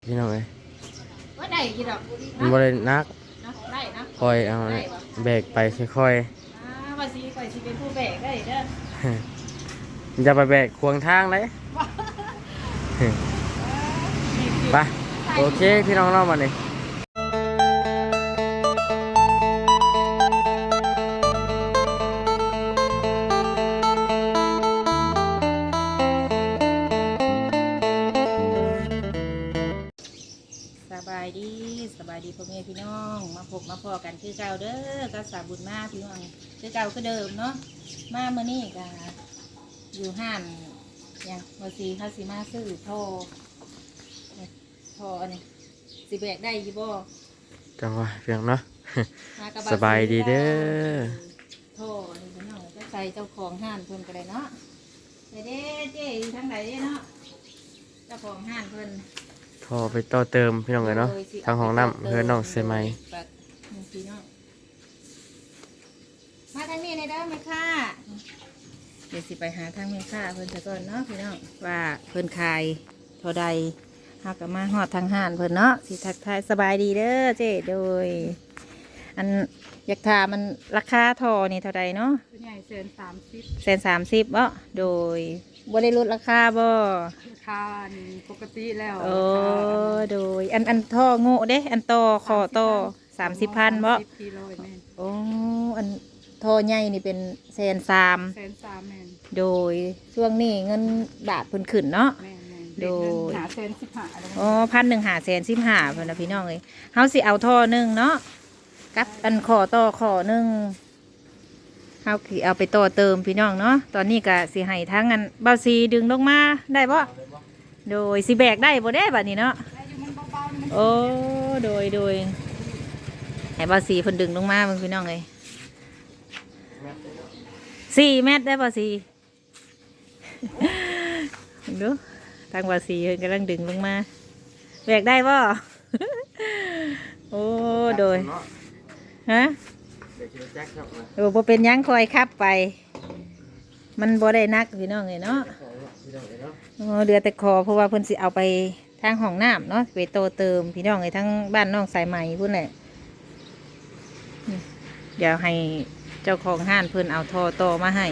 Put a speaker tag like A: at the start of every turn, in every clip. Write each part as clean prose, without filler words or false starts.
A: พี่น้องเอ้ย
B: ว่าได้กี่ดอก
A: มันบ่ได้นัก
B: เนาะได้นะ
A: คอยเอา
B: ได้ปะ
A: แบกไปค่อย
B: ว่าสิก่อยสิเป็นผู้แบกได้เด้อ
A: ๆมันจะไปแบกขวางทางเลยไปโอเคพี่น้องเรามาเลย
B: สบายดีพ่อแม่พี่น้องมาพบมาพอกันคือเก่าเด้อก็สาบุญมาพี่น้องคือเก่าคือเดิมเนาะมาเมื่อนี้ก็อยู่ห้านอย่างเมื่อซีเขาสิมาซื้อท่ออันนี้สิแบกได้ยี่บ่
A: จังหวะเพียงเนาะ
B: กระ
A: สบายดีเด้อ
B: ท่ออันนี้พี่น้องก็ใส่เจ้าของห้านเพิ่นก็ได้เนาะเด้เจ๊ทั้งไหนเนาะเจ้าของห้านเพิ่น
A: พอไปต่อเติมพี่น้องเลยเนาะทางห้องน้ำเพื่อนน้องเซมัย
B: มาทางนี้ในเด้อแม่ค่ะเดี๋ยวสิไปหาทางแม่ค่ะเพิ่นซะก่อนเนาะพี่น้องว่าเพิ่นขายเท่าใดเฮาก็มาฮอดทางห้านเพิ่นเนาะสิทักทายสบายดีเด้อเจ๊โดยอันอยากถามมันราคาท่อนี่เท่าใดเนาะ
C: ใหญ่130
B: 130บ่โดยบ่ได้ลดราคาบ่
C: ราคาปกติแล้ว
B: โอ้โดยอันท่อโง่เด้อันต่อคอต่อ30,000บ่โอ้อันท่อใหญ่นี่เป็น130,000
C: แม่น
B: โดยช่วงนี้เงินบาทเพิ่นขึ้นเนาะ
C: แม่น
B: โดย
C: 115
B: อ๋อ1,115เพิ่นน่ะพี่น้องเอ้ยเฮาสิเอาท่อนึงเนาะกับอันคอต่อคอนึงเฮาสิเอาไปต่อเติมพี่น้องเนาะตอนนี้ก็สิให้ทั้งอันเบาซีดึงลงมาได้บ่โดยสิแบกได้บ่ได้บัดนี้เนาะโอ้โดยให้เบาซีเพิ่นดึงลงมาเบิ่งพี่น้องเอ้ย4 เมตรได้เบาซีดูทางเบาซีเพิ่นกำลังดึงลงมาแบกได้บ่โอ้โดยฮะบ่เป็นยังคอยขับไปมันบ่ได้นักพี่น้องเลยเนาะเรือแต่คอเพราะว่าเพิ่นสิเอาไปทางห้องน้ำเนาะไปโตเติมพี่น้องเลยทั้งบ้านน้องสายไหมพุ่นแหละเดี๋ยวให้เจ้าของห้านเพิ่นเอาท่อต่อมาให้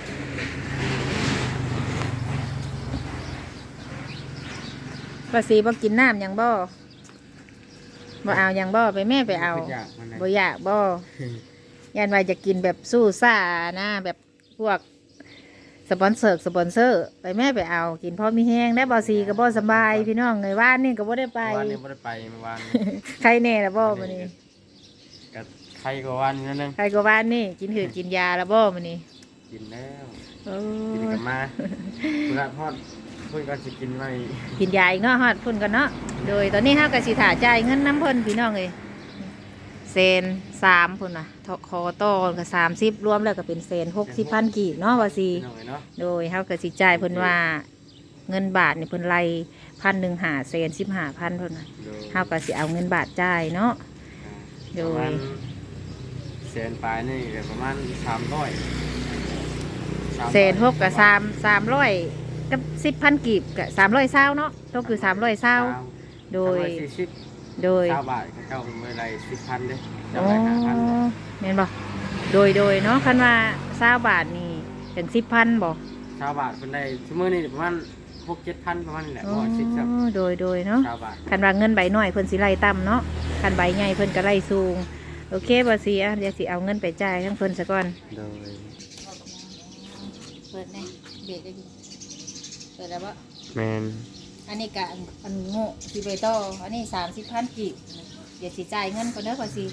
B: ภาษีบ่กินน้ำยังบ่เอายังบ่ไปแม่ไปเอาบ่อยากบ่ยันว่าจะกินแบบสู้ซ่านะแบบพวกสปอนเซอร์ไปแม่ไปเอากินพอมีแห้งได้บ่ซีก็บ่สบายพี่น้องเลยว่านนี่ก็บ่ได้ไป
A: วันนี้บ่ได้ไปเมื่อวาน
B: ใครแน่ละบ่มื้อนี้
A: กับใครก็วันนั่นนึง
B: ใครก็ว่านนี่กินหืดกินยาละบ่มื้อนี้
A: กินแล้ว
B: โอ้
A: กินกันมาคุณละพอดเพิ่นก็สิกินไว้
B: กินยาอีกเนาะฮอดพุ่นกันเนาะโดยตอนนี้เฮาก็สิถ่าจ่ายเงินน้ำเพิ่นพี่น้องเลย130,000พุ่นน่ะคอต่อก็30รวมแล้วก็เป็น160,000กีบเนาะว่าสิโดยเฮาก็สิจ่ายเพิ่นว่าเงินบาทนี่เพิ่นไล่1,100หา115,000เพิ่นน่ะเฮาก็สิเอาเงินบาทจ่ายเนาะโดย
A: แสนปลายนี่ก็ประมาณ300
B: 160,000กับ300กับ10,000กีบกับ320เนาะก็คือ320โดย
A: 20บาทเขาเมื่อไร10,000เด้จำ
B: ได้
A: 5,000
B: แม่นบ่โดยเนาะคันว่า20บาทนี่ถึง10,000บ่
A: 20บาทเพิ่นได้ชั่วโมงนี้ประมาณ6-7,000ประมาณนี้แหละบ่10ครับ
B: โดยเนาะคันว่าเงินใบน้อยเพิ่นสิไล่ต่ำเนาะคันใบใหญ่เพิ่นก็ไล่สูงโอเคบ่สิอ่ะเดี๋ยวสิเอาเงินไปจ่ายทั้งเพิ่นซะก่อน
A: โดย
B: เปิดแน่เบรกได้ดิเปิดแล้วบ่
A: แม่น
B: อันนี้กะอันโง่สิไปต่ออันนี้30,000กีบเดี๋ยวสิจ่ายเงินก่อนเด้อก่อนสิ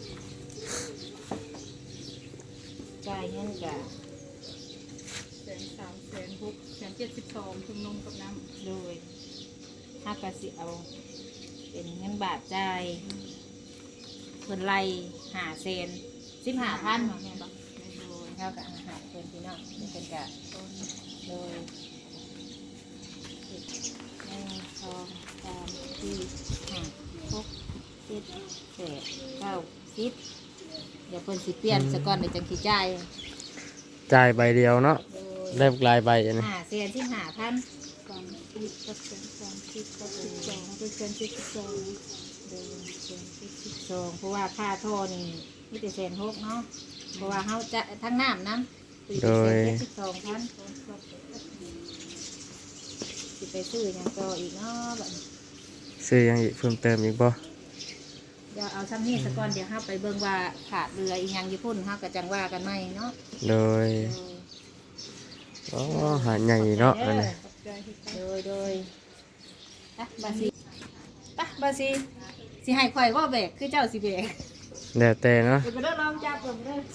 B: จ่ายเงินกะ
C: 130,172ชุมนุมกับน้
B: ำโดยถ้ากะสิเอาเป็นเงินบาทจ่ายเพิ่นไล่15,000เนาะแม่นบ่โดยเท่ากับอาหารเพิ่นพี่น้องเพิ่นกะโดย1 2 3 4 5 6 7 8 9 10เดี๋ยวเพิ่นสิเปลี่ยนซะก่อนเดี๋ยวจังสิจ่
A: ายใบเดียวเนาะได้ลายใบอันนี้
B: 1,115,000
C: กับแสนสามสิบกับ12เป็นแสน72
B: เดือนเดือน12เพราะว่าค่าท่อนี่มีแต่1,600เนาะเพราะว่าเฮาจะทั้งน้ำนั้นโดย12,000สิไปซื้อหยังต่ออีกเนาะบัดนี้
A: ซื้อหยังอีกเพิ่มเติมอีกบ่
B: เดี๋ยวเอาซ้ำนี่ซะก่อนเดี๋ยวเฮาไปเบิ่งว่าขาดเรืออีหยังอยู่พุ่นเฮาก็จังว่ากันใหม่เนาะ
A: โดยอ๋อหาดใหญ่เนาะอันนี้
B: โดยอ่ะบาซีปะบาซีสิให้ข่อยว่าแบกคือเจ้าสิแบก
A: แล้วแต่เนาะ
B: เดี๋ยวไปเด้อลองจับเบิ่งเด้อย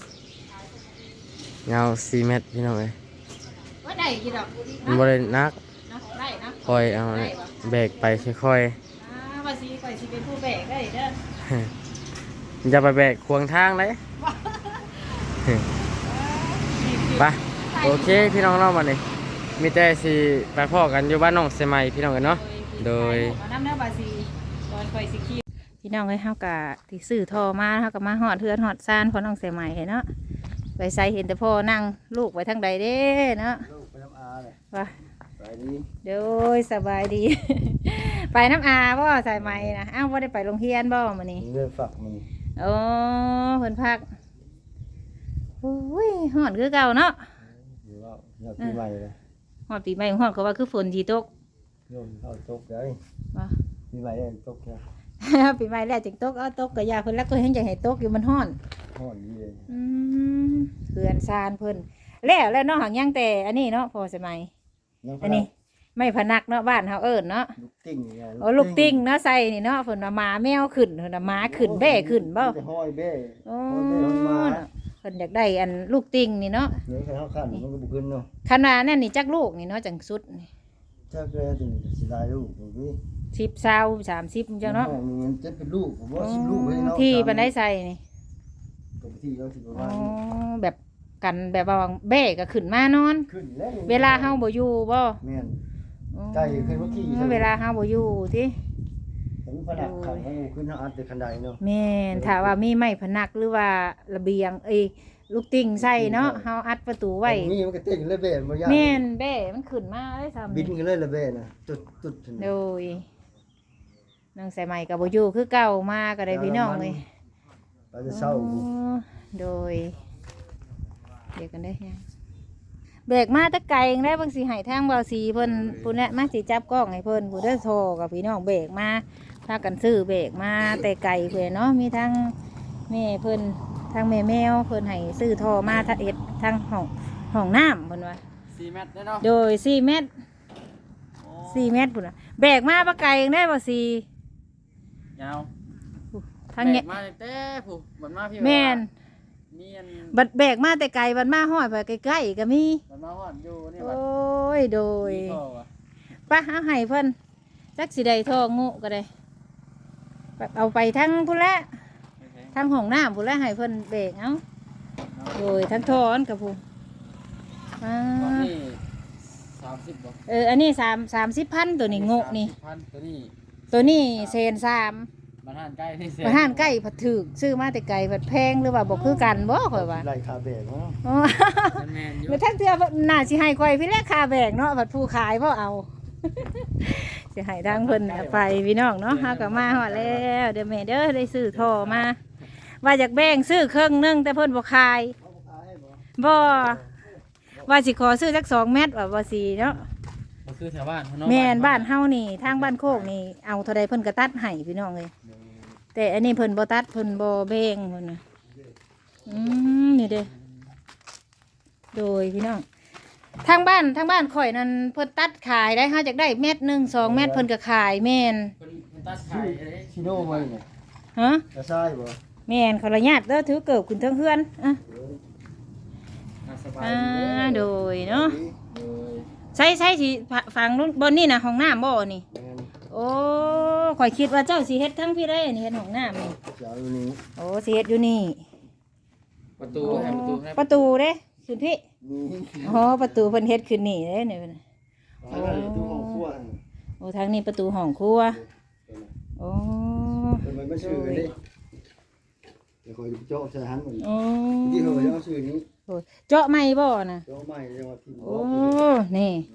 A: าว4 เมตรพี่น้องเอ้ย
B: ว่าได้กี่ดอก
A: มันบ่ได้นัก
B: เนาะได้เนาะ
A: คอยเอาแบกไปค่อย
B: บาซีข่อยสิเป็นผู้แบกได้เด้อ
A: ๆอย่าไปแบกขวางทางเลยไปโอเคพี่น้องเนาะบัดนี้มีแต่สิไปพ้อกันอยู่บ้านน้องเสมัยพี่น้องกันเนาะโดย
B: เอาน้ำเด้อบาซีตอนข่อยสิขี่พี่น้องเอ้ยเฮาก็ที่ซื้อท่อมาเฮาก็มาฮอดเฮือนฮอดซ่านพอน้องใส่ใหม่เนาะไปใส่เห็นแต่พ่อนั่งลูกไว้ทางใดเด้เนาะ
A: ลูกไปน้ำอาเลย
B: ว่า
A: ไปดี
B: เดี๋ยวสบายดี ไปน้ำอาบ่ใส่ไหมนะอ้าวว่าได้ไปโรงเรียนบ่มื้อนี้
A: เรื่องฝักมัน
B: โอ้เพิ่นพักโอ้ยฮ้อนคือเก่าเนาะ
A: อยู่ว่าอยากปีใหม่เลย
B: ฮ้อนปีใหม่ฮ้อนก็ว่าคือฝนสิตก
A: โยมเข้าตกเลย
B: ว่า
A: ปีใหม่ได้ตกแค่
B: ปีใหม่แล้วจึงตกเอาตกก็ยาเพิ่นแล้วก็เห็นจังให้ตกอยู่มันฮ้อน
A: ห่อนดีเลย
B: อืมเขื่อนซานเพิ่นแล้วเนาะหังยังแต่อันนี้เนาะพอสมัยอันนี้ไม่พนักเนาะบ้านเฮาเอิ้นเนาะ
A: ลูกติ้งไง
B: โอ้ลูกติ้งเนาะใส่นี่เนาะเพิ่นว่าหมาแมวขึ้นเพิ่นว่าหมาขึ้นแบ่ขึ้นบ่
A: ห้อยเบ้
B: โอ้
A: ห้อยเบ้ห้อยมา
B: เพิ่นอยากได้อันลูกติ้งนี่เนาะ
A: เดี๋ยวใครเข้าขันมันก็บุกขึ้นเนาะ
B: ขนาดนั่นนี่จักลูกนี่เนาะจังสุดนี่
A: ถ้าเกิดถึงสิได้ลูกผมพี่
B: 10 20 30จังเนาะ
A: มันจะเป็นลูกผมว่า10 ลูกเลยเนาะ
B: ที่ปานได้ใส่นี่
A: ปกติเราสิประ
B: อ๋
A: มา
B: อ
A: ณ
B: แบบกันแบบว่าแบ่ก็ขึ้นมานอน
A: ขึ้นแล้ว
B: เวลาเฮาบ่อยู่บ่
A: แม่น
B: อ๋อ
A: ไก่ขึ้นเมื่อกี้ใช่ไหม
B: เวลาเฮาบ่อยู่ติ
A: ผมผนักขันมันขึ้นทางอัดแต่คันใดเนาะ
B: แม่นถ้าว่ามีไม้พนักหรือว่าระเบียงลูกติ้งใส่เนาะเฮาอัดประตูไว้
A: มีมันก็เต้นเลยเบ้บ่ยาก
B: แม่นแบ่มันขึ้นมาได้ซ้ำ
A: บินกันเลยละเบ้น่ะตุด
B: โดยนางใส่ใหม่กับบ่อยู่คือเก่ามาก็ได้พี่น้องเลย
A: เราจะเศร้า
B: อ๋อโดยเดี๋ยวกันได้ยังเบรกมาแตะไกลยังได้บางสีให้ทางเบาสีเพิ่นผู้นี้มาสิจับกล้องให้เพิ่นผู้ได้โทรกับพี่น้องเบรกมาพากันซื้อเบรกมาแต่ไกลเพิ่นเนาะมีทั้งแม่เพิ่นทั้งแม่แมวเพิ่นให้ซื้อโทรมาทางเอ็ดทางห้องน้ำเพิ่นว่า
A: 4 เมตรเนาะ
B: โดย4 เมตร4 เมตรพุ่นน่ะเบรกมาปะไกลยังได้บ่สี
A: ยาว
B: ทางเนี้ย
A: มาเต้ผู้มันมาพี่
B: แม่น
A: มีอัน
B: บัดแบกมาแต่ไกลบัดมาห้อยไปใกล้ๆก็มี
A: มันมาฮอดอยู่นี่
B: โอ
A: บัด้
B: ยโดย
A: มีท่อว่ะ
B: ป้าเอาให้เพิ่นจักสิได้ทองงูก็ได้เอาไปทั้งพุ่นละทั้งห้องน้ำพุ่นละให้เพิ่นแบกเอาโดยทั้งทอนกับผู้อ่า
A: ตอนนี้30บ่
B: อันนี้30,000ตัวนี้งูนี่
A: 30,000ตัวนี้
B: ตัวนี้เซน3
A: มันห่านใกล้ที่เสี
B: มาห้านใกล้ผัดถึกซื้อมาแต่ไกลผัดแพงหรือว่าบ่คือกันบ่ข่อยว่า
A: ไล่คาเบกเนาะ
B: อ๋อ
A: แม่นอยู่
B: มาทั้งเทื่อน่าสิให้ข่อยพี่แรกค่าแบกเนาะบัดผู้ขายบ่เอา สิให้ทางเพิ่นเอาไปพี่น้องเนาะเฮาก็มาฮอดแล้วเดี๋ยวแม่เด้อได้ซื้อท่อมา ว่าอยากแบ่งซื้อครึ่งหนึงแต่เพิ่นบ่ขายบ่ว่าสิขอซื้อจัก2 เม็ดว่าบ่สิเนาะ
A: ก็คือแถวบ้านเนาะ
B: แม่นบ้านเฮานี่ทางบ้านโคกนี่เอาเท่าใดเพิ่นก็ตัดให้พี่น้องเอ้ยแต่อันนี้เพิ่นบ่ตัดเพิ่นบ่แบ่งเพิ่นน่ะนี่เด้อโดยพี่น้องทางบ้านข่อยนั่นเพิ่นตัดขายได้เฮาจักได้เม็ดหนึง2 เม็ดเพิ่นก็ขายแม่น
A: เพิ่นตัดขายเด้ชิโน่มาเนี่ย
B: ฮะ
A: กระซ้ายบ่
B: แม่นขออนุญาตเด้อถือเกิบขึ้นเทิงเฮือนอ่ะ
A: สบาย
B: โดยเนาะ
A: โดย
B: ใช่สิฝั่งนู้นบนนี่นะห้องน้ำบ่นี่
A: แม่น
B: โอ้ข่อยคิดว่าเจ้าสิเฮ็ดทั้งพี่ได้นี่เฮ็ดห้องน้ำนี่
A: จะเอาอยู่นี่
B: โอ้สิเฮ็ดอยู่นี่
A: ประตูให้ประตูให้
B: ประตูเด้ขึ้นพี่
A: นี่
B: อ๋อประตูเพิ่นเฮ็ดขึ้นนี่เด้นี่เพิ่น
A: ประตูของครัว
B: โอ้ทางนี้ประตูห้องครัวโอ้
A: เป็นมันชื่อกันดิเดี๋ยวคอยเจาะใส่หันมัน
B: โอ้
A: ที่เขาจะเอาชื่อนี้
B: เจาะไม้บ่น่ะ
A: เจาะใหม่จังหวัดที่
B: โอ้นี่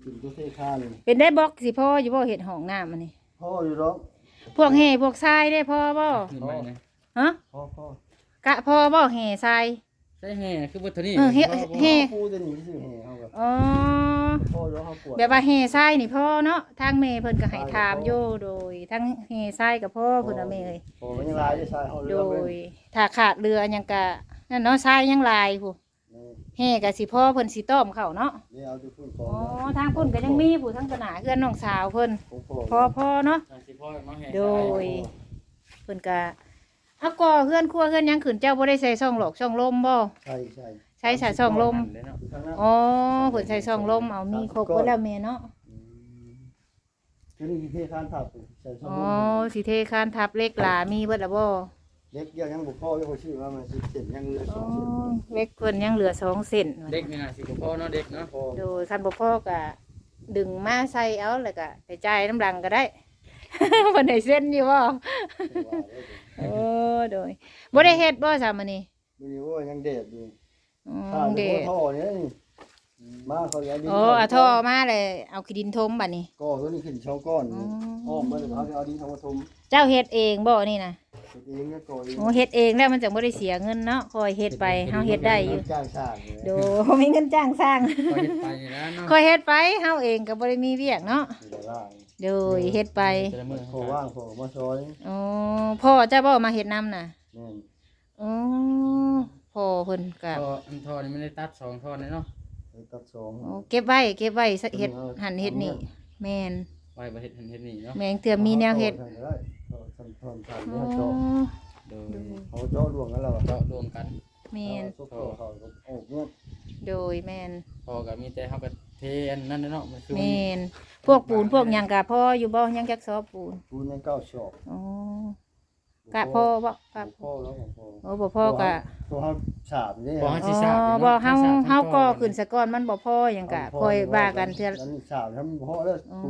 D: กินตัวเทคาน
B: เป็นได้บล็อกสิพ่ออยู่บ่เฮ็ดห้องน้ำอันนี้
D: พ่ออยู่ร้อง
B: พวกแห่พวกทรายได้พ่อบ่
A: ขึ้นไปนะ
B: ฮะ
D: พ่อก
B: ะพ่อบ่แห่ทราย
A: ใช่แห่คือบ่เท่านี้
B: เฮ็ด
D: ปูจะหนีสิแห่เอากับ
B: อ๋อ
D: พ่อร้องเขาปวด
B: แบบว่าแห่ทรายนี่พ่อเนาะทางแม่เพิ่นก็ให้ถามอยู่โดยทั้งแห่ทรายกับพ่อเพิ่นน่ะแม่เอ้ย
D: โอ้มันยังลายได้ใช่เอาเรื
B: โด
D: อเลย
B: ถ้าขาดเรือหยังก็นั่นเนาะทรายยังลายผู้แห่ก็สิพ่อเพิ่นสิต้อมเข้าเนาะ
D: นี่เอาที่พุ่นขอ
B: อ๋
D: ง
B: อทางพุ่นก็ยังมีผู้ทั้งตนาเพื่อนน้องสาวเพิ่น
D: ของ
B: พ่อเนาะ
A: สิพ่อมาแห่
B: โดยเพิ่นก็เอาก่อเพื่อนครัวเพื่อนหยังขึ้นเจ้าบ่ได้ใส่ช่องหลอกช่องลมบ่
D: ใช่
B: ใช้ช่องลม
D: ข้างหน้า
B: อ๋อเพิ่นใส่ช่องลมเอามีครบเบิดแล้วแม่เนาะ
D: คือนี่เทคานถับใส่ช่อง
B: อ๋อสิเทคานทับเล็กหลามีเบิดแล้วบ่
D: เล็กยังบุกพ่อยังชื่อว่ามันสิเส้นยังเรือส
B: อ๋
D: อ
B: อง
D: เส้น
B: เล็กเพิ่นยังเหลือ2เส้น
A: เด็กนี่น่ะสิบ่พ่อเนาะเด็กเนาะ
D: พ่อ
B: โดยคันบ่พอก็ดึงมาใส่เอาแล้วก็ไปจ่ายน้ำหลังก็ได้ เพิ่นให้เส้นอยู่บ่โอ้โดยบ่ได้เฮ็ดบ่ซะมื้อนี้
D: มีว่ายังเด็ดอยู่
B: อ๋อ
D: ถ้า
B: เด้
D: ท่อเนี่ยมาเขาเอาดิน
B: โอ้เอาท่อมาเลยเอาขี้ดินทมบัดนี้
D: ก็ตัวนี้ขึ้นช่องก้อนอ้อมมาเดี๋ยวเขาจะเอาดินทำมาทม
B: เจ้าเฮ็ดเองบ่นี่นะ
D: เองก็ก่อเอง
B: โอ้เฮ็ดเองแล้วมันจังบ่ได้เสียเงินเนาะคอยเฮ็ดไปเฮาเฮ็ดได้อยู่
D: จ้างชาติ
B: โดมีเงินจ้างสร้าง
A: ก็เฮ็ดไปนี่นะเนาะ
B: คอยเฮ็ดไปเฮาเองก็บ่ได้มีเวียกเนาะ
D: เดี๋ยวล่าง
B: โดยเฮ็ดไป
A: แต่ละมื้อ
D: โผล่ว่างโผล่มาซอย
B: อ๋อพ่อเจ้าบ่มาเฮ็ดนํน่ะ
D: นี่
B: อ๋อพ่อเพิ่นก็
A: ท่ออันท่อนี่มันได้ตัด2ท่อเลยเนาะ
D: ตัดสอง
B: โอ้เก็บไว้เฮ็ดหั่นเฮ็ดนี่แม่น
A: ไว้บ่เฮ็ดเฮ็ดนี่เนาะ
B: แม่งเตือมีแนวเฮ็ด
D: ทำได้ทำทำ
B: อ๋อ
D: เนี่ยจอ
A: โดย
D: เขาเจาะดวงกันแล้ว
A: เจาะรวมกัน
B: แม่น
D: ซุปเขาโอ้เนี่ย
B: โดยแม่น
A: พอก็มีแต่เฮาก็เทอันนั้นเนาะมันคือ
B: แม่นพวกปูนพวกหยังก็พ่ออยู่บ่ยังจักซอปูน
D: ปูนยังเก้าชอบ
B: อ๋อกะพ่อบ่กะ
D: พ่อแล้วของพ่อ
B: โอ้บ่พ่อกะ
D: พอเขาฉาบนี่
A: พอ
B: อ๋
A: เฮาสิทราบ
B: อบ่เฮาก็ขึ้นซะก่อนมันบ่พอหยังกะค่อยว่ากันเทื่อ
D: นั้นฉาบทำพ่อแล้วปูน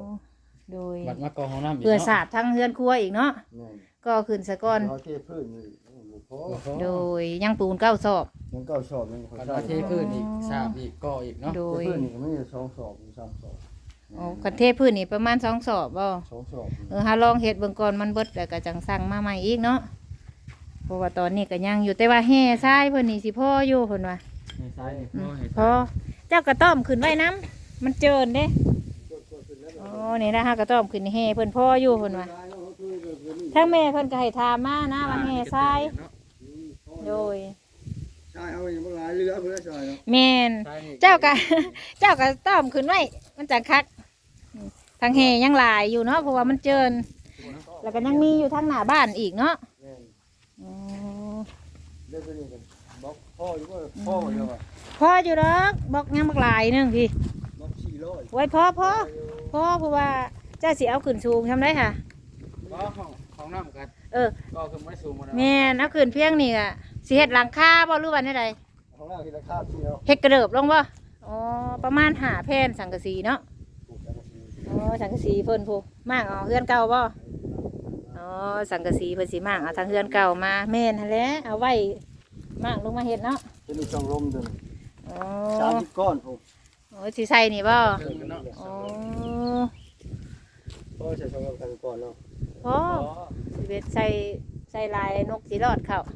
D: 12
B: โดย
A: บัดมากองห้องน้ำอีก
B: เพื่อ
A: เนาะ
B: สาดทั้งเฮือนครัวอีกเนาะ
D: นี่
B: ก็ขึ้นซะก่อน
D: เขาเทพื้นนี่พ่อ
B: โดยยังปูนเก้าศอก
D: ยังเก้าชอบยัง
A: บัดมาเทพื้นอีกสาบอีกก่ออีกเนาะ
B: โดย
D: พื้นนี่ก็ไม่ได้2ชอบ3ชอบ
B: อ๋อคันเทพื้นนี่ประมาณ2ศอกบ่
D: 2ชอบ
B: เฮาลองเฮ็ดเบิ่งก่อนมันเบิดแล้วก็จังสั่งมาใหม่อีกเนาะเพราะว่าตอนนี้ก็ยังอยู่แต่ว่าแห่ทรายเพิ่นนี่สิพออยู่เพิ่นว่า
A: นี่ซ้ายนี่
B: อื
A: พ่อ
B: ม
A: ให้
B: พอเจ้ากระต้อมขึ้นไว้น้ำมันเจินเด้อ๋อนี่นะฮะกระต้อมขึ้นแห่เพิ่นพ่ออยู่เพิ่นว่าทั้งแม่เพิ่นก็ให้ถามมานะว่าแห่ทรายโดย
D: ใช่เอาอย่างหลายเรือเพื่อใช่เนาะ
B: แม่น
A: ซ้ายนี่
B: เจ้าก็ เจ้าก็ต้อมขึ้นไว้มันจังคักทางแห่ยังหลายอยู่เนาะเพราะว่ามันเจินแล้วก็ยังมีอยู่ทางหน้าบ้านอีกเนาะ
D: นี่
B: อ๋อ
D: เรื่องนี้กันบอกพ่ออยู่ว่าพ่อเดียวอ่ะ
B: พออยู่ดอกบอกยังบักหลายหนึงพี่
D: บอก400
B: ไว้พอเพราะว่าเจ้าสิเอาขึ้นสูงทำได้ค่ะ
A: ก็ของน้ำกัน
B: เออ
A: ก็คือไม่สูงหมดแล้ว
B: แม่นเอาขึ้นเพียงนี่อะสิเฮ็ดหลังคาบ่หรือว่าได
D: ของเราที่ราคาที่เรา
B: เฮ็ดกระเดิบลงบ่อ๋อประมาณ5แผ่นสังกะสีเนาะ
D: ปลูกกันที
B: อ๋อสังกะสีเพิ่นผู้มากเอาเฮือนเก่าบ่อ๋อสังกะสีเพิ่นสิมากเอาทางเฮือนเก่ามาแม่นหั่นแหละเอาไว้มากลงมาเฮ็ดเนาะ
D: จะมีช่องลมตัวนึง
B: อ๋อ
D: 30ก้อนผม
B: โอ้สิใส่นี่บ่
A: เกินกันเนาะ
B: อ๋อ
D: พ่อใช้ช่องลมกันก่อนเนาะ
B: พอสิเบ็ดใส่ลายนกสิรอดเข้า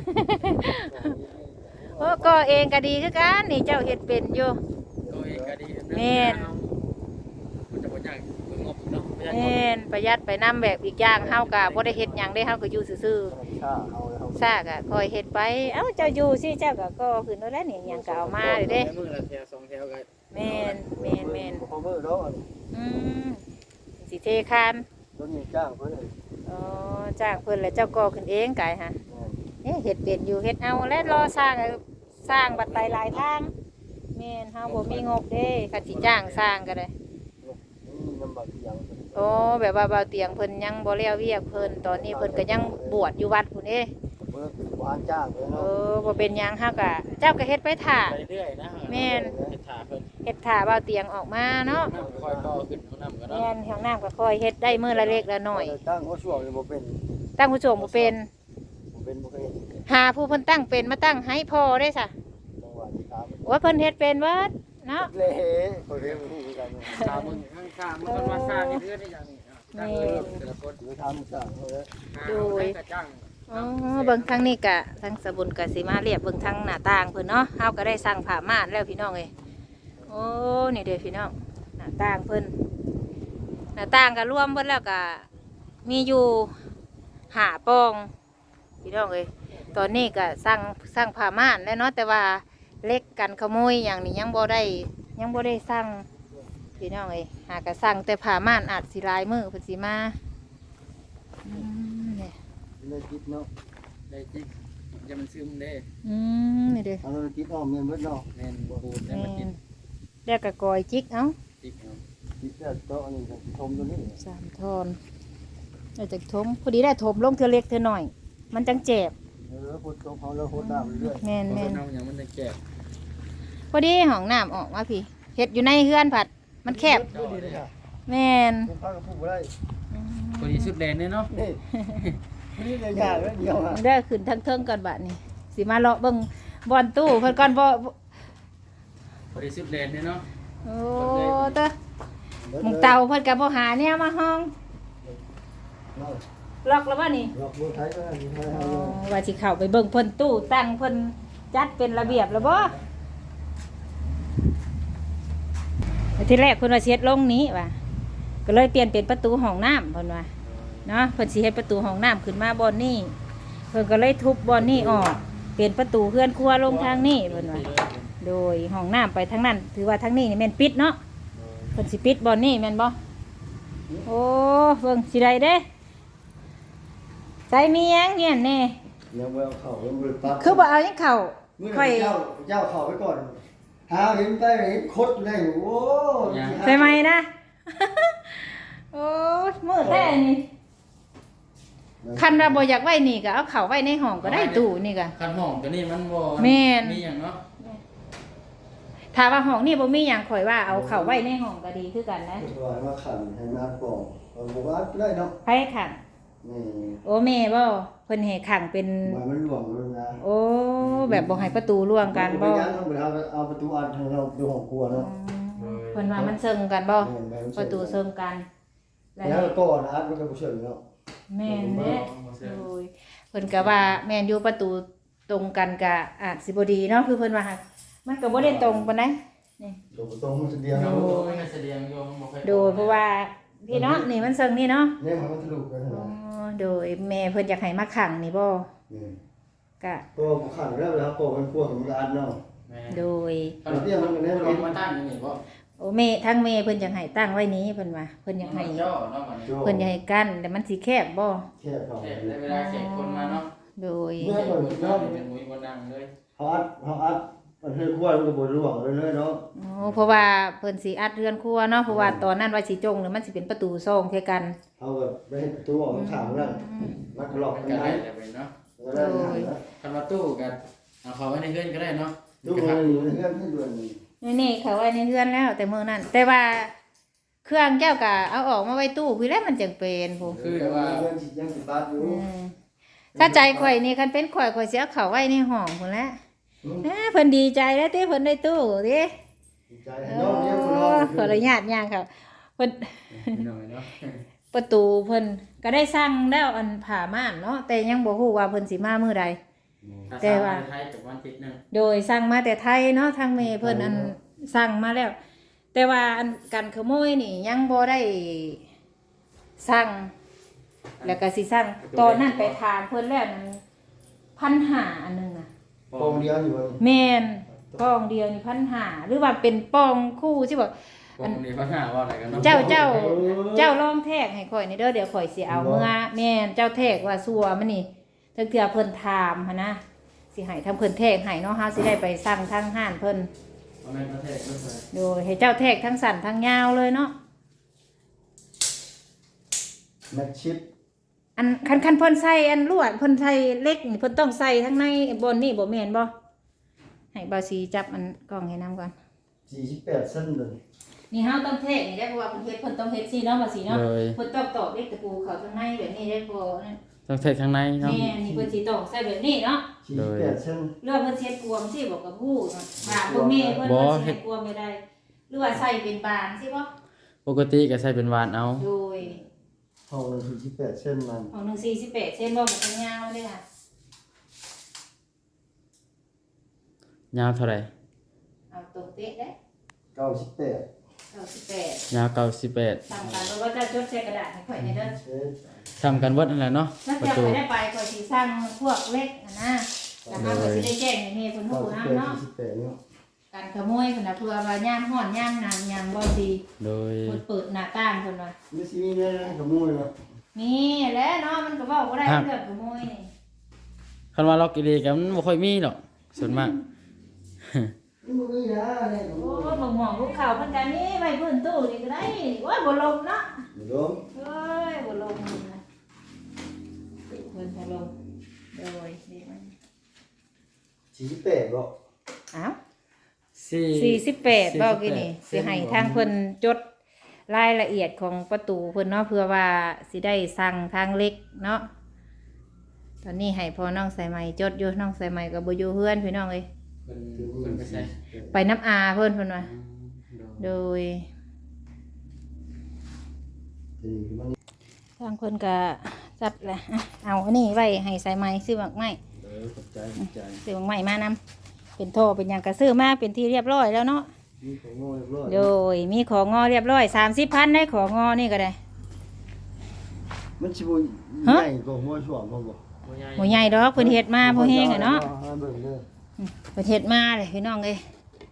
B: โอ้ก็เองก็ดีคือกันนี่เจ้าเฮ็ดเป็นอยู่
A: ก็เองก็ดี
B: แม่น
A: มันจะบ่ยากเบิ่งงบเนาะบ่ยากงบ
B: แม่นประหยัดไปนํแบบอีกอย่างเฮาก็บ่ได้เฮ็ดหยังได้เฮาก็อยู่ซื่อ
D: ชาเอาแล้ว
B: ๆซากก็คอยเฮ็ดไปเอ้าเจ้าอยู่สิเจ้าก็ก่อขึ้นแล้วนี่หยังก็เอามาเลยเด้
A: มื้อละแถว2แถวก็
B: แม่นๆ
D: พอเมื่อเนาะ
B: อืมสิเทคาน
D: รถมีจ้างเพิ่น
B: อ๋อจ้างเพิ่นแล้วเจ้าก่อขึ้นเองกายฮะเฮ็ดเป็นอยู่เฮ็ดเอาและรอสร้างบัดไปหลายทางแม่นเฮาบ่มีงบเด้คันสิจ้างสร้างก็ได้
D: นี่ลำบากอย่าง
B: โอ้แบบว่าเบาเตียงเพิ่นยังบ่แล้วเวียกเพิ่นตอนนี้เพิ่นก็ยังบวชอยู่วัดพุ่นเด้
D: เมื่อวานจ้างเลย
B: เอ
D: เนาะ
B: อบ่เป็นหยังเฮาก็เจ้าก็เฮ็ดไปท่า
A: ไปเรื่อยนะ
B: แม่น
A: เฮ็ดถาเพิ่น
B: เฮ็ดท่าเบาเตียงออกมาเนาะ
A: น้ำคอยต่อขึ้นของน้ำก็เนาะ
B: แม่นห้องน้ำก็ค่อยเฮ็ดได้มื้อละเล็กละน้อย
D: ตั้งหัวช่วงบ่เป็น
B: ตั้งผู้ชมบ่เป็น
D: บ่เคย
B: หาผู้เพิ่นตั้งเป็นมาตั้งให้พอได้ซะ
D: จังหวะที่ตาม
B: ว่าเพิ่นเฮ็ดเป็นเบิดเนาะ
D: เละคนเรียนรู้กัน
A: ตามึงข้างข้ามันก็มาสร้างเพื่อนได้อย่างนี้ตั้งเลยแต่ละคน
D: หรือทำสั่งเขาเลย
A: กระจัง
B: อ๋อเบิ่งทางนี้กะทางสบุนกะสิมาเรียบเบิ่งทางหน้าต่างเพิ่นเนาะเฮาก็ได้สั่งผ้าม่านแล้วพี่น้องเอ้ยโอ้นี่เด้อพี่น้องหน้าต่างเพิ่นหน้าต่างก็รวมเบิดแล้วก็มีอยู่5ปองพี่น้องเอ้ยตอนนี้ก็สั่งผ้าม่านแล้วเนาะแต่ว่าเล็กกันขโมยอย่างนี้ยังบ่ได้สั่งพี่น้องเอ้ยหากก็สั่งแต่ผ้าม่านอาจสิหลายมื้อเพิ่นสิมาเนี่ย
D: เลยคิดเนาะ
A: ได้จิกจะมันซึมได้
B: นี่เด้อ
D: เอาเลยคิดอ้อมเงินเบิดเนาะ
A: แน่นปูนได้มันกิน
B: เรียกกะกอยจิกเอ้า
A: จิกเอา
D: คิดแต่โต๊ะนี่ชมตัวนี้
B: 3 ทอนเอาจากทมพอดีได้ทมลงเธอเล็กเธอหน่อย มันจังเจ็บ
D: พูดตรงเขาแล้วพูดตามเรื่อย
B: แม่น
A: เพราะน้ำอย่างมันจะแก่
B: พอดีห้องน้ำออกมาพี่เฮ็ดอยู่ในเฮือนผัดมันแคบ
D: ดูดีเลยค่ะ
B: แม่น
D: เป็นพักกับผู้ได้
A: พอดีสุดแรงเนี่ยเนาะ
D: นี่นี่เลยยากแล้วเดียวอ่ะ
B: ได้ขึ้นทั้งเทิงก่อนบัดนี้สิมาเลาะเบิ่งบอนตู้เพิ่นก่อนบ่
A: พอดีสุดแรงเนี่ยเนาะ
B: โอ้เตอหมุงเตาเพิ่นก็บ่หาแนวมาห้องล็อกแล้วบ่นี่
D: หลอกมือไทยก็ได้มือไทย
B: อ๋
D: เอา
B: อว่าสิเข้าไปเบิ่งเพิ่นตู้ตั้งเพิ่นจัดเป็นระเบียบแล้วบ่ทีแรกเพิ่นว่าสิเฮ็ดลงนี้ว่ะก็เลยเปลี่ยนเป็นประตูห้องน้ำเพิ่นว่าเนาะเพิ่นสิเฮ็ดประตูห้องน้ำขึ้นมาบ่อนนี้เพิ่นก็เลยทุบบ่อนนี้ออกเปลี่ยนประตูเฮือนครัวลงทางนี้เพิ่นว่าโดยห้องน้ำไปทางนั้นถือว่าทางนี้นี่แม่นปิดเนาะเพิ่นสิปิดบ่อนนี้แม่นบ่โอ้เบิ่งสิได้เด้ใจมีหยังเนี่ยแน่
D: ยังไม่เอาเข่ายังไม่ปั๊บ
B: คือบ่เอาหยังเข้า
D: เมื่อ
B: ค่อย
D: เจ้าเข่าไปก่อนหาเห็นไปเห็นคดอยู่ได้โอ้
B: ใช่ไหมนะ โอ้มือแท้นี่คันเราบ่อยากไว้นี่ก็เอาเข้าไว้ในห้องก็ได้ตู้นี่ก็
A: คันห้องตัวนี้มันบ่
B: แม่น
A: มีอย่างเนาะ
B: ถ้าว่าห้องนี่บ่มีหยังข่อยว่าเอาเข้าไว้ในห้องก็ดีคือกันนะ
D: ว่ามาขันให้มาปองบอกว่าได้เนาะ
B: ไผขัง
D: นี่
B: โอ้แม่บ่เพิ่นให้ขังเป็น
D: หมายมันหลวงเลยนะ
B: โอ้แบบบ่ให้ประตูร่วงกันบ่
D: ยังเอาประตูอันทางเราดูของครัวเนาะ
B: เพิ่นว่ามันเซิงกันบ่ประตูเซิงกัน
D: แล้วก็อันมันก็บ่เชิงเนาะ
B: แม่นเด้โอ้ยเพิ่นก็ว่าแม่นอยู่ประตูตรงกันก็อาจสิบ่ดีเนาะคือเพิ่นว่ามันก็บ่ได้ตรงปานใดนี่
D: ดูตรงมันเดียว
A: โด
D: เนาะ
A: ยแสดงโยมบ่ค่อย
B: โดยเพราะว่าพี่เนาะนี่มันเซิงนี่เนาะ
D: เนี่ยมันทะลุกัน
B: อ๋อ
D: นะ
B: โดยแม่เพิ่นอยากให้มาขังนี่บ่
D: นี่
B: ก็
D: ตัวขันแล้วโปมันครัวของอันเนาะ
A: แม่
B: โดย
A: คันเตี้ยมันก็แน่นอนมาตั้งอย่างนี้บ่
B: โอ้แม่ทั้งแม่เพิ่นอยากให้ตั้งไว้นี้เพิ่นว่าเพิ่นอยากให้
A: เจ้าเนาะมัน
B: เพิ่นอยากให้กั้นแต่มันสิแคบบ่
D: แค่เขา
A: แขกได้เวลาแขกคนมาเนาะ
B: โดย
A: แขกคนมาเป็นมุ้ยบ่นั่งเลย
D: เขาอัดมันให้ครัวมันก็บ่ร่วงเลยเนาะ
B: โอ้เพราะว่าเพิ่นสิอัดเรือนครัวเนาะเพราะว่าตอนนั้นว่าสิจงเนี่ยมันสิเป็นประตูซ่องเท่ากัน
D: เอาแบบไปให้ประตูออกข้างนั่นมันก็หลอก
A: มัน
D: กัน
A: ก็
D: ได้
A: ได้แต่เป็นเนาะ
D: ก็ได้นะ
A: คันว่าตู้กันเอาเขาไว้ในเฮือนก็ได้เนาะ
D: ดูมันอยู่ในเรื่องที่ด่วน
B: นี่เขาไว้ในเรือนแล้ว แต่มื้อนั้นแต่ว่าเครื่องเจ้าก็เอาออกมาไว้ตู้พี่แล้วมันจังเป็นผู้
A: คือว่า
D: เรื่องสิยังสิบาทอยู่
B: ถ้าใจข่อยนี่คันเป็นข่อยข่อยสิเอาเข้าไว้ในห้องพุ่นแหละเพิ่นดีใจแล้วติเพิ่นได้ตู้ติ
D: ใจ
B: โอ้
D: น้องเนี่ยคุณน้อง
B: ขออนุญาตย่างค่ะเพิ่น
A: หน่อยเนาะ
B: ประตูเพิ่นก็ได้สร้างแล้วอันผ่าม่านเนาะแต่ยังบ่ฮู้ว่าเพิ่นสิมามื้อใด แต่ว่า
A: ไทยกับวันติดนึง
B: โดยสร้างมาแต่ไทยเนาะทางเมเพิ่นอันสร้างมาแล้ว แต่ว่าอันการขโมยนี่ยังบ่ได้สร้างแล้วก็สิสร้างตอนนั้นไปถามเพิ่นแล้วนั้น1,500อันหนึงน่ะ
D: ปองเดียวอยู่
B: แม่นป้องเดียวนี่1,500หรือว่าเป็นป้องคู่สิบ่
A: วันนี้เขาหาว่าอะไรกันเนาะ
B: เจ้าลองแทกให้ข่อยนี่เด้อเดี๋ยวข่อยสิเอาเมื่อแม่นเจ้าแทกว่าซัวมันนี่เทื่อเพิ่นถามหั่นนะสิให้ทำเพิ่นแทกให้เนาะเฮาสิได้ไปสั่งทางห้านเพิ่น
A: เอาแม่ประเทศด้วย
B: โดยให้เจ้าแทกทั้งสั้นทั้งยาวเลยเนาะ
D: แมทชิป
B: อันคันเพิ่นใส่อันลวดเพิ่นใส่เล็กนี่เพิ่นต้องใส่ทั้งในบนนี่บ่แม่นบ่ให้เบาสีจับอันกล้องให้นํก่อน
D: 48เส้นเลย
B: นี่เฮาต้องแทกนี่ได้เพราะว่าเพิ่นต้องเฮ็ดซี่เนาะเบาสีเนาะ
A: เลย
B: เพิ่นต้องตอกเล็กตะปูเข้าข้างในแบบนี้ได้พอนั่น
A: ต้องเทข้างในเนาะ
B: แม่นี่เพิ่นสิต้องใส่แบบนี้เนาะ
D: 48เส้น
B: เรื่องเพิ่นเฮ็ดกวมสิบอกกับผู้เนาะถามพ่อแม่เพิ่นว่าสิให้กวมไม่ได้หรือว่าใส่เป็นบานใช่ปะ
A: ปกติก็ใส่เป็นวานเอา
B: โดย
D: ห้องละ48เส้นมัน
B: ของ148เส้นบ่มันเป็นยาวเลยค่ะ
A: ยาวเท่าไหร่
B: เอาตรงเป๊ะได้
D: 98
B: 98
A: ยาว98
B: ตามกันแล้วก็จะจดใส่กระดาษให้ข่อยในเด้อ
D: เส้น
A: ทำกันเบิดนั่นแหละเนาะ
B: ถ้า
A: ประ
B: จะ
A: ตู
B: ไปได้ไปข่อยสิสร้างพวกเล็กนะแล้วก็ข่อยสิได้แจ้งให้แม่เพิ่นรู้นํเนาะ
D: 48เนาะ
B: การขโมยเพิ่นน่ะเพื่อว่าย่ามฮ้อนย่ามหนาวย่ามบ่ดี
A: โดย
B: เพิ่นเปิดหน้าต่างเพิ่นว่า
D: ไม่สิมีได้ขโมยเนาะ
B: นี่แหละเนาะมันก็เว้าบ่ได้เรื่องขโมยนี่
A: คันว่าล็อกอีหลีก็มันบ่ค่อยมีหรอกส่วนมาก
D: นี่บ่มีนะเนี่ยขโม
B: โอ้
D: ย
B: บ่หม่องลูกข้าวเพิ่นก็มีไว้พื้นตู้นี่ก็ได้โอ้ยบ่ลงเนาะ
D: บ่ลง
B: เอ้ยบ่ลงนะเพิ่นบ่ลงโดยนี่มัน
D: 48บ่
B: อ้าว48บ่กี่นี่สิให้ทางเพิ่นจดรายละเอียดของประตูเพิ่นเนาะเพื่อว่าสิได้สั่งทางเล็กเนาะตอนนี้ให้พ่อน้องสายไหมจดอยู่น้องสายไหมก็บ่อยู่เฮือนพี่น้องเอ้ย
A: เพิ่นไปใส่
B: ไปน้ำอาเพิ่นว่าโดย
D: ทีนี้มัน
B: ทางเพิ่นก็จัดแหละอ่ะเอาอันนี้ไว้ให้สายไหมซื้อหมากไม้
D: ขอบใจ
B: ซื้อหมากไม้มานำเป็นโทเป็นหยังก็ซื้อมาเป็นที่เรียบร้อยแล้วเนาะ
D: มีของโง่เรียบร้อย
B: โดยมีของงอเรียบร้อย30,000ได้ของงอนี่ก็ได้
D: มันสิบ่ใหญ่กว่าหัวช่วงบ่บ่
B: บ่ใหญ่ดอกเพิ่นเฮ็ดมาบ่แฮงอะเนาะ
D: เบิ่งเด้อ
B: เพิ่นเฮ็ดมาเลยพี่น้องเอ้ย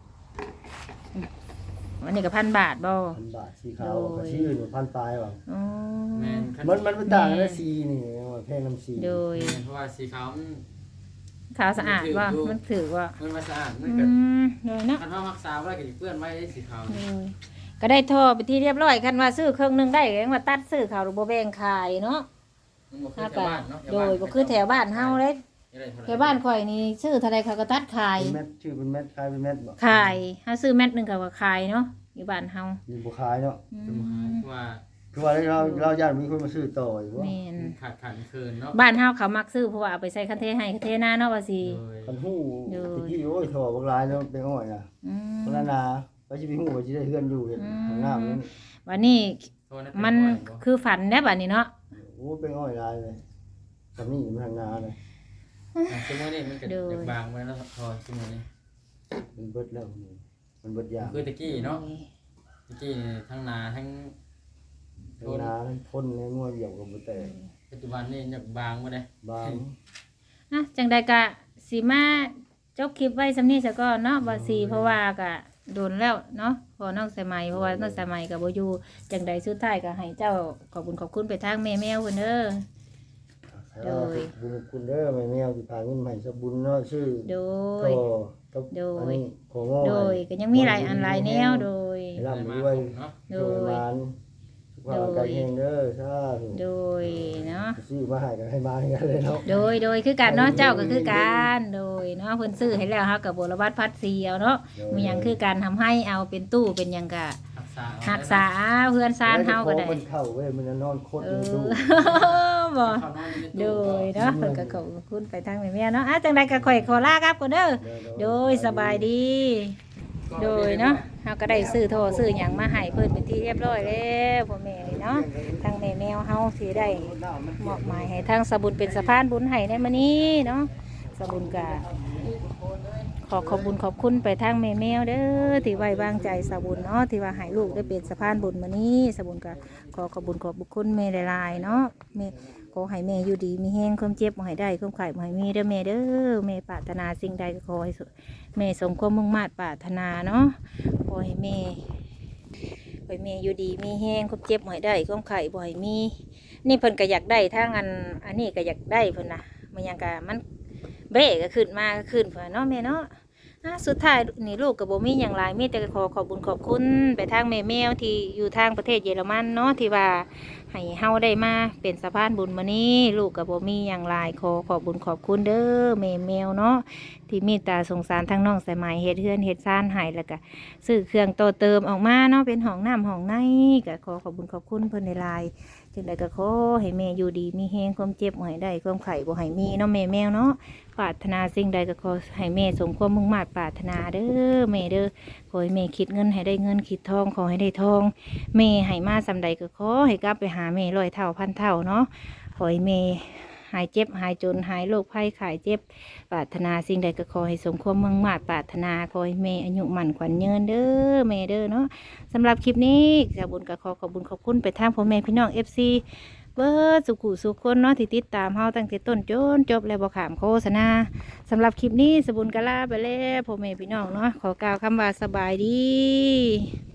B: อันนี้ก็1,000 บาทบ่
D: 1,000 บาทสีขาวกับสีอื่น1,000ปลายว่ะ
B: อ๋อ
A: แม่นคัน
D: มันต่างกันนะสีนี่ว่าแพงน้ำสี
B: โดย
A: เพราะว่าสีขาวมัน
B: ขาวสะอาดบ่มันถือว่า
A: มันมาสะอาดมัน
B: อื
A: ก็
B: โดยเนาะ
A: คันว่ารักษาไว้ก็สิเปื้อนไว้ได้สีขาว
B: โดยก็ได้ท่อไปที่เรียบร้อยคันว่าซื้อเครื่องหนึงได้ก็ยังว่าตัดซื้อเขาวหรือบ่แบ่งขายเนาะ
A: มันบ่คือ
B: ถ้า
A: แถ
B: ก็
A: วบ้านเนาะ
B: โดยบ่คือแถวบ้านเฮาเด้
A: ได้เท่ไหร่
B: แถวบ้านข่อยนี่ซื้อเท่าใดเขาก็ตัดขาย
D: เป็นเม็ดชื่อเป็นเม็ดขายเป็นเม็ดบ่
B: ขายเฮาซื้อแม็ดหนึงเขาก็ขายเนาะอยู่บ้านเฮา
D: อยู่บ่ขายเนาะ
B: อื
A: จะมาหาม ว่า
D: คือว่าเราญาติมีคนมาซื้อต่ออยู่ว่า
B: แม่น
A: ขาดเคินเนาะ
B: บ้านเฮาเขามักซื้อเพราะว่าเอาไปใส่คันเทให้คันเทหน้าเนาะว่าสิ
A: โดย
D: คันหู้ตะกี้โอ้ยถอบักลายแล้วไปอ้อยน่ะ
B: อืม
D: คนนั้นน่ะว่าสิไปหู้ว่าสิได้เฮือนอยู่เฮ็ดข้างหน้ามัน
B: วันนี้
A: โทษะ
B: มัน
A: เป็บ่อยบ่
B: คือฝันแน่บัดนี้เนาะ
D: โอ้ไปอ้อยลายเลยทำนี่มันทางนาเลย
A: สมมุตินี่มันก็อยากบางไว้แล้วพอสมมุตินี่
D: มันเบิดแล้วมันเบิดยาง
A: คือตะกี้เนาะตะกี้นี่ทั้งนาทั้ง
D: ทางนาทั้งพ่นแล้วงัวเหยียบกับบ่แตก
A: ปัจจุบันนี่อยากบางบ่ได้
D: บาง
B: อ่ะจังใดก็สิมาจบคลิปไว้สำนี้ซะก่อนเนาะบ่สิเพราะว่าก็โดนแล้วเนาะพอน้องสมัยเพราะว่าน้องสมัยก็บ่อยู่จังใดสุดท้ายก็ให้เจ้าขอบคุณขอบคุณไปทางแม่แมวเพิ่นเด้อ โดย
D: บุญคุณเด้อแม่แมวสิพาเงินมาให้สบุญเนาะชื่อ
B: โด
D: ก็
B: ย
D: กับ
B: โดย
D: อันนี้ของง้อ
B: โดยก็ยังมีหลายอันหลายแนวโดย
D: ให้ร่ำ
A: มา
D: ด้วย
A: เนาะ
B: โด
D: โดย
B: ย
D: มานสุขภาพร่างกายแข็งเด้อสาธุ
B: โดยเนาะ
D: ซื้อมาให้กันให้มาให้กันเลยเนาะ
B: โดยคือกันเนาะเจ้าก็คือกันโดยเนาะเพิ่นซื้อให้แล้วเฮาก็บ่ระบาดพัดเสียวเนาะมีหยังคือการทำให้เอาเป็นตู้เป็นหยังก็
A: รักษา
B: รักษาเพื่อนซานเฮาก็ได้
D: มันเข้าเว้ยมันจะนอนโคตร
B: เอ
D: ดู
B: อบ่
A: เข้านอนใน
B: โด
A: ตู้
B: ยเนาะเพิ่นก็ขอบคุณไปทางแม่ๆเนาะอ่ะจังใดก็ข่อยขอลาครับก่อนเด้อโดยสบายดี โดยเนาะเฮาก็ได้ซื้อโทรซื้อหยังมาให้เพิ่นเป็นที่เรียบร้อยแล้วพ่อแม่นี่เนาะทางแม่แมวเฮาสิได้มอบหมายให้ทางสบุญเป็นสะพานบุญให้ในมื้อนี้เนาะสบุญก็ขอบคุญขอบคุณไปทางแม่แมวเด้อที่ไว้วางใจสบุญเนาะที่ว่าให้ลูกได้เป็นสะพานบุญมื้อนี้สบุญก็ขอบคุญขอบคุณแม่หลายๆเนาะแม่ขอให้แม่อยู่ดีมีแห้งความเจ็บบ่ให้ได้ความไข้บ่ให้มีเด้อแม่เด้อแม่ปรารถนาสิ่งใดก็ขอให้แม่สมความมุ่งมั่นปรารถนาเนาะขอให้แม่อยู่ดีมีแห้งความเจ็บบ่ให้ได้ความไข้บ่ให้มีนี่เพิ่นก็อยากได้ทางอันนี้ก็อยากได้เพิ่นน่ะมันยังก็มันเบ้ก็ขึ้นมาก็ขึ้นเพิ่นเนาะแม่เนาะสุดท้ายนี่ลูกกับโบมีอย่างไรมีแต่ขอบคุญขอบคุณไปทางแม่แมวที่อยู่ทางประเทศเยอรมันเนาะที่ว่าให้เฮาได้มาเป็นสะพานบุญมานี้ลูกกับโบมีอย่างไรขอบคุญขอบคุณเด้อแม่แมวเนาะที่มีตาสงสารทั้งน้องสายไหมเฮ็ดเฮือนเฮ็ดซ่านให้แล้วก็ซื้อเครื่องโตเติมออกมาเนาะเป็นห้องน้ำห้องในก็ขอบคุญขอบคุณเพิ่นในลายจึงใดก็ขอให้แม่อยู่ดีมีแฮงความเจ็บบ่ให้ได้ความไข้บ่ให้มีเนาะแม่แมวเนาะปรารถนาสิ่งใดก็ขอให้แม่สมความมุ่งมั่นปรารถนาเด้อแม่เด้อขอให้แม่คิดเงินให้ได้เงินคิดทองขอให้ได้ทองแม่ให้มาสำใดก็ขอให้กลับไปหาแม่100 เท่าพันเท่าเนาะขอให้แม่หายเจ็บหายจนหายโรคภัยไข้เจ็บปรารถนาสิ่งใดก็ขอให้สมความมุ่งมั่นปรารถนาขอให้แม่อายุมั่นขวัญยืนเด้อแม่เด้อเนาะสำหรับคลิปนี้สาวบุญก็ขอบุญขอบคุณไปทางพ่อแม่พี่น้อง FC เบิดสุขุสุขคนเนาะที่ติดตามเฮาตั้งแต่ต้นจนจบแล้วบ่ขามโฆษณาสำหรับคลิปนี้สบุญกะลาไปแล้วพ่อแม่พี่น้องเนาะขอกล่าวคำว่าสบายดี